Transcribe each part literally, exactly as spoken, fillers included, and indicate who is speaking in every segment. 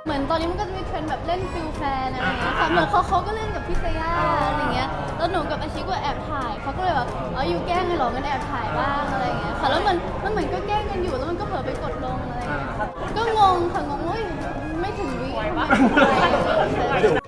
Speaker 1: เหมือนตอนนี้มันก็จะมีเทรนด์แบบเล่นฟิลแฟนอะไรอย่างเงี้ยค่ะเหมือนเขาเขาก็เล่นกับพี่เซย่าอะไรเงี้ยแล้วหนูกับอาชิก็แอบถ่ายเขาก็เลยแบบอ๋ออยู่แกล้งไงหรอมันแอบถ่ายบ้างอะไรอย่างเงี้ยค่ะแล้วมันมันเหมือนก็แกล้งกันอยู่แล้วมันก็เผลอไปกดลงอะไรอย่างเงี้ยก็งงค่ะงงว่าไม่ถึงวิทำไมถึง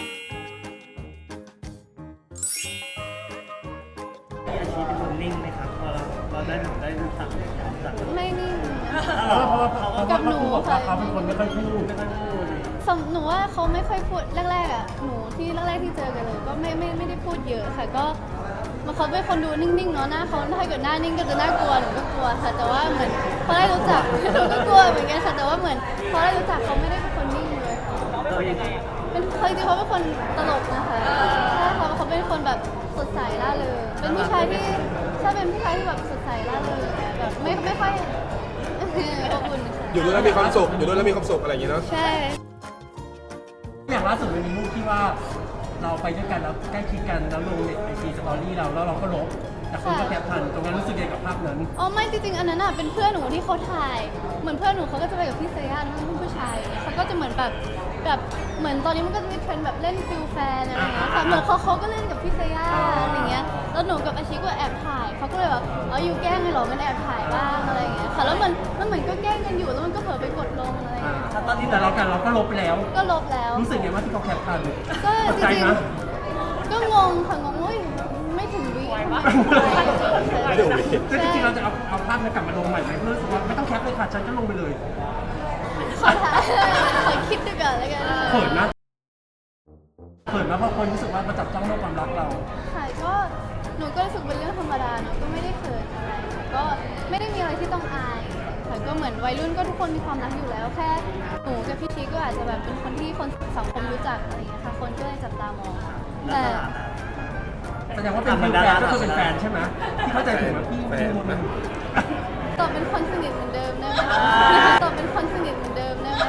Speaker 1: ไป
Speaker 2: อาชีพเป็นคนนิ่งไหมครับพอเราเราได้ถึงได้รู้จักจาก
Speaker 1: ไม่นิ่ง
Speaker 2: เพราะว่าเขาก็
Speaker 1: กับหนู
Speaker 3: บอกว่าเขาเป็นคนไม่ค่อยพูด
Speaker 2: ไม่ค่อยพูด
Speaker 1: สำหนูว่าเขาไม่ค่อยพูดแรกๆอ่ะหนูที่แรกๆที่เจอกันเลยก็ไม่ไม่ไม่ได้พูดเยอะค่ะก็มันเขาเป็นคนดูนิ่งๆเนาะหน้าเขาถ้าเกิดหน้านิ่งก็จะน่ากลัวหนูก็กลัวค่ะแต่ว่าเหมือนพอได้รู้จักหนูก็กลัวเหมือนกันค่ะแต่ว่าเหมือนพอได้รู้จักเขาไม่ได้เป็นคนนิ่งเลยค่ะ
Speaker 2: เรายังไง
Speaker 1: เป็นเคยจริงๆเขาเป็นคนตลกนะคะใช่เขาเขาเป็นคนแบบสดใสล่าเริงเป็นผู้ชายที่ใช่เป็นผู้ชายที่แบบสดใสล่าเริงแบบไม่ไม่ค่อยอบอุ่นค่ะ
Speaker 4: อยู่ด้วยแล้วมีความสุขอยู่ด้วยแล้วมีความสุขอะไรอย่างเงี้ยเนาะ
Speaker 1: ใช่
Speaker 3: อย่างล่าสุดมันมีรูปที่ว่าเราไปด้วยกันแล้วใกล้ชิดกันแล้วลงในไอจีสตอรี่เราแล้วเราก็ลบแต่คนก็แคปทันตรงนั้นรู้สึกยังไงกับภาพนั้น
Speaker 1: อ๋อไม่จริงๆอันนั้นอ่ะเป็นเพื่อนหนูที่เขาถ่ายเหมือนเพื่อนหนูเขาก็จะไปกับพี่เซย่านั่งผู้ชายเขาก็จะเหมือนแบบแบบเหมือนตอนนี้มันก็จะมีเทรนด์แบบเล่นฟิลแฟนอะไรอย่างเงี้ยค่ะเหมือนเขาเขาก็เล่นกับพี่เซย่าอะไรอย่างเงี้ยแล้วหนูกับอาชิก็แอบถ่ายเขาก็เลยแบบอ๋ออยู่แกล้งไงหรอมันแอบถ่ายบ้างอะไรอย่างเงี้ยค่ะแล้วมันมันเหมือนก็แกล้งกันอยู่แล้วมันก็เผลอไปกดลงอะไรอย่างเงี้ย
Speaker 3: ตอนนี้แต่เรากันเราก็ลบไปแล้ว
Speaker 1: ก็ลบแล้ว
Speaker 3: รู้สึกยังไงว่าที่เขาแคปทัน
Speaker 1: ก็
Speaker 3: ตก
Speaker 1: จ
Speaker 3: ใจ
Speaker 1: ริง
Speaker 3: นะ
Speaker 1: ๆก็งงค่ะงงว่าไม่ถึงวิไหวปะ
Speaker 4: ไม่ถึงวิ
Speaker 3: ซึ่งจริงๆเราจะเอาเอาภาพนั้นกลับมาลงใหม่ไหมเพื่อรู้สึกว่าไม่ต้องแคปเลยค่ะฉันก็ลงไปเลย
Speaker 1: ขอถ่ายขอคิดดูก่อนแล้วกัน
Speaker 3: เขินนะเขินนะเพราะคนรู้สึกว่ามาจับจ้องเรื่องความรักเรา
Speaker 1: ค่ะก็หนูก็รู้สึกเป็นเรื่องธรรมดาเนอะก็ไม่ได้เขินอะไรก็ไม่ได้มีอะไรที่ต้องอายค่ะก็เหมือนวัยรุ่นก็ทุกคนมีความรักอยู่แล้วแค่หนูกับพี่ชีก็อาจจะแบบเป็นคนที่คนสังคมรู้จักอะไรอย่างเงี้ยค่ะคนก็เลยจับตามองแต่
Speaker 3: แสดงว่าเป็นแฟนก็คือเป็นแฟนใช่ไหมที่เข้าใจถูกไหมพี่พี่มดมัน
Speaker 1: ตอบเป็นคนสนิทเหมือนเดิมได้ไหมตอบเป็นคนสนิทเหมือนเดิมได้ไหม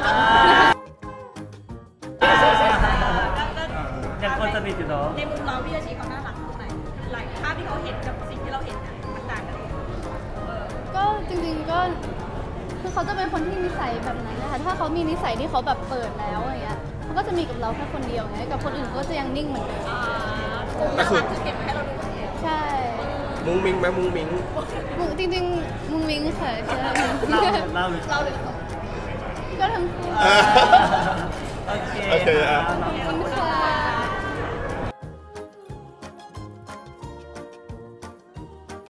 Speaker 2: ยังคนสนิทอยู่เนาะ
Speaker 5: ในมุมเราพี่อาชีพเขาน่ารักตรงไหนหลายภาพที่เขาเห็นกับสิ่งที่เราเห็นน่ะมันต่างกันเลย
Speaker 1: ก็จริงๆก็คือเขาจะเป็นคนที่นิสัยแบบนั้นนะคะถ้าเขามีนิสัยที่เขาแบบเปิดแล้วอย่างเงี้ยเขาก็จะมีกับเราแค่คนเดียวไงกับคนอื่นก็จะยังนิ่งเหมือนเดิม
Speaker 4: ก็คือ
Speaker 5: คือเก็บไว้ให้เราดูคนเดียว
Speaker 1: ใช่
Speaker 4: มุ้งมิ้งไหมมุ้งมิ้ง
Speaker 1: มุงจริงๆมุงมิงค่ะใช่
Speaker 2: เล่าเล่าเลย
Speaker 5: เราเลย
Speaker 1: ก็ทั้งคู่
Speaker 4: อ่า
Speaker 2: โอเค
Speaker 4: โอเคอ่ะ
Speaker 1: ขอบคุณค่ะ